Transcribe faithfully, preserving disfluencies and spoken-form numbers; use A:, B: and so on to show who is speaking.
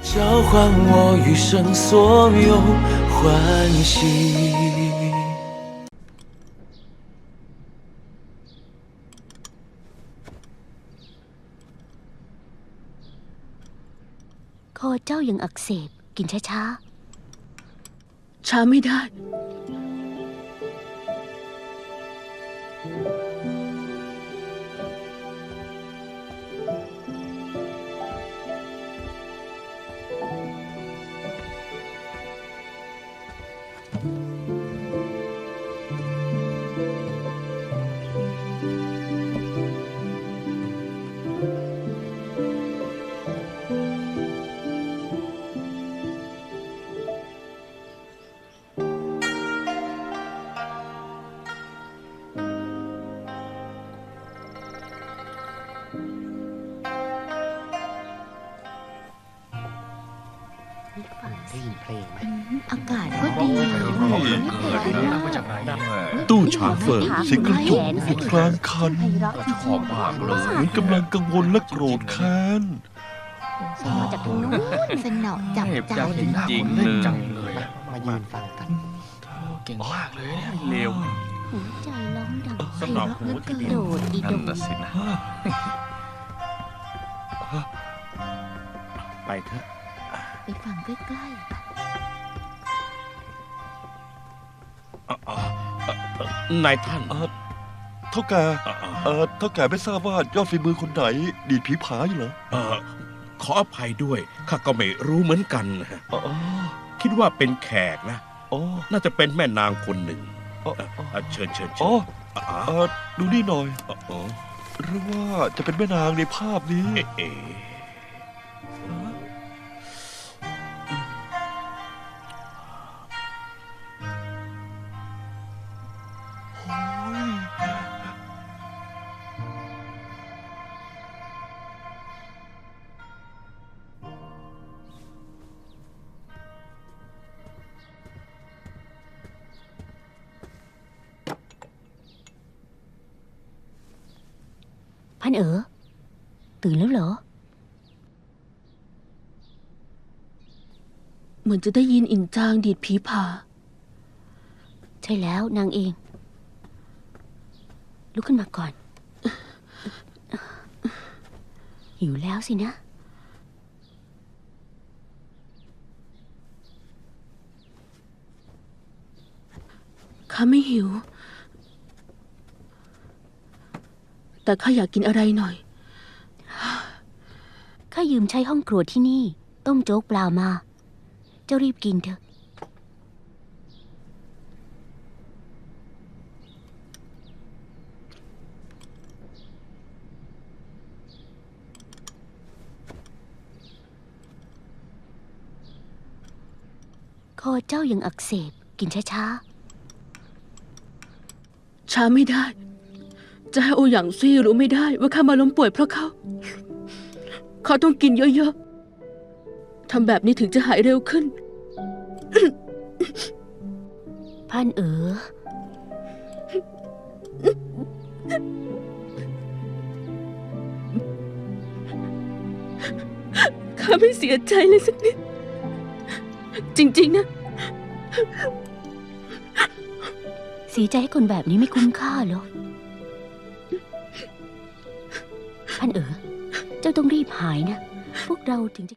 A: 交换我余生所有欢喜。
B: คอเจ้ายังอักเสบกินช้า
C: ช้าไม่ได้
B: ได้ยินเพลงไหมอากาศก็ดี
D: ตู้ฉางเฟิง
E: เสียงกระจกอยู่กลางคัน
D: ชอบมากเลย
E: เหมือนกำลังกังวลและโกรธแค้น
B: มาจากทางนู้นสนอจับใจ
D: จริงๆเลยจังเลย
B: มายืนฟังกัน
D: เก่งมากเลยเนี่ยเร็ว
B: หัวใจร้องดัง
D: สำหรับหูที่
B: กระโดดอีด
D: นั่น
B: ง
D: น่ะสินะไปเถอะ
B: ไปฟังใกล้ๆ
D: นายท่าน
E: เออเท่าแก่เออเท่าแก่ไม่ทราบว่ายอดฝีมือคนไหน ดีดผีผาอยู่เหรอ
D: เออขออภัยด้วยข้าก็ไม่รู้เหมือนกันนะ
E: อ๋อ
D: คิดว่าเป็นแขกนะ
E: อ๋อ
D: น่าจะเป็นแม่นางคนหนึ่ง
E: อ๋อ
D: เอ่อเชิญเชิญเชิ
E: อ๋อ
D: ญอ๋อ
E: เออดูนี่หน่อย
D: อ๋อ
E: หรือว่าจะเป็นแม่นางในภาพนี้
D: เอ๊ะเอ๊ะ
B: พันเอ๋อตื่นแล้วเหรอ
C: เหมือนจะได้ยินอินจางดีดผีผา
B: ใช่แล้วนางเอง ลุกขึ้นมาก่อน หิวแล้วสินะ
C: ข้าไม่หิว แต่ข้าอยากกินอะไรหน่อย
B: ข้ายืมใช้ห้องครัวที่นี่ ต้มโจ๊กปลามา เจ้ารีบกินเถอะ คอเจ้ายังอักเสบกินช้า
C: ช้าไม่ได้ จะให้โอหยางซี่รู้ไม่ได้ว่าข้ามาล้มป่วยเพราะเขา เขาต้องกินเยอะๆ ทำแบบนี้ถึงจะหายเร็วขึ้น
B: ๆพันเอ๋อ
C: ข้าไม่เสียใจเลยสักนิด จริงๆนะ
B: เสียใจให้คนแบบนี้ไม่คุ้มค่าหรอกพันเอ๋อ เจ้าต้องรีบหายนะ พวกเราถึงจะ